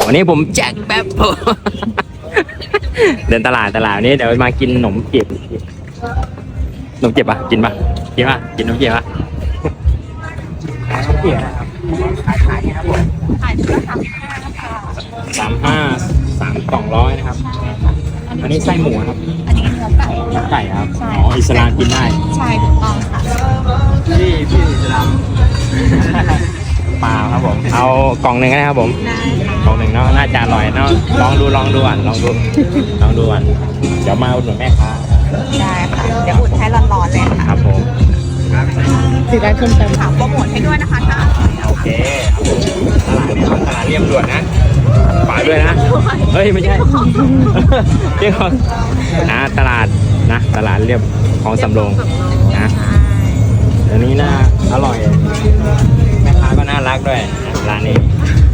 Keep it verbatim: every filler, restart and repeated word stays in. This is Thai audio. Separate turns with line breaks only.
วันนี้ผมแจ็คแป๊บ เดินตลาดตลาดนี้เดี๋ยวมากินขนมจีบขนมจีบปะกินปะกินปะกินขนมจีบปะขนมจีบนะครับขายขายครับผม
ขายชุดละสามสิบห้าค่ะ
สามห้าสามกล่องร้อยนะครับอันนี้ไส้หมูครับ
อันนี้เนื้อไก่
เนื้อไก่ครับ
ใช่
อ๋ออิสลามกินได้
ใช่ถูกต้องค่ะ
พี่พี่อิสลาม เปล่าครับผมเอากล่องหนึ่งนะครับผม
ได้
กล่องหนึ่งเนาะน่าจะอร่อยเนาะลองดูลองดูอ่ะลองดูลองดูอ่ะเดี๋ยวมาอุดหนุนแม่ค้า
ได้ค่ะ เดี๋ยวอุ่นให้ร้อนๆเลยค่ะ
ครับผม
ถือได้ขึ้นเต็มถามโปรโมทให้ด้วยนะคะถ้า
โอเคตลาดเนี่ยตลาดเรียบด่วนนะฝากด้วยนะเฮ้ยไม่ใช่ เรียกว่านะตลาดนะตลาดเรียบของสำโรงนะเดี๋ยวนี้น่าอร่อยแม่ค้าก็น่ารักด้วยร้านนี้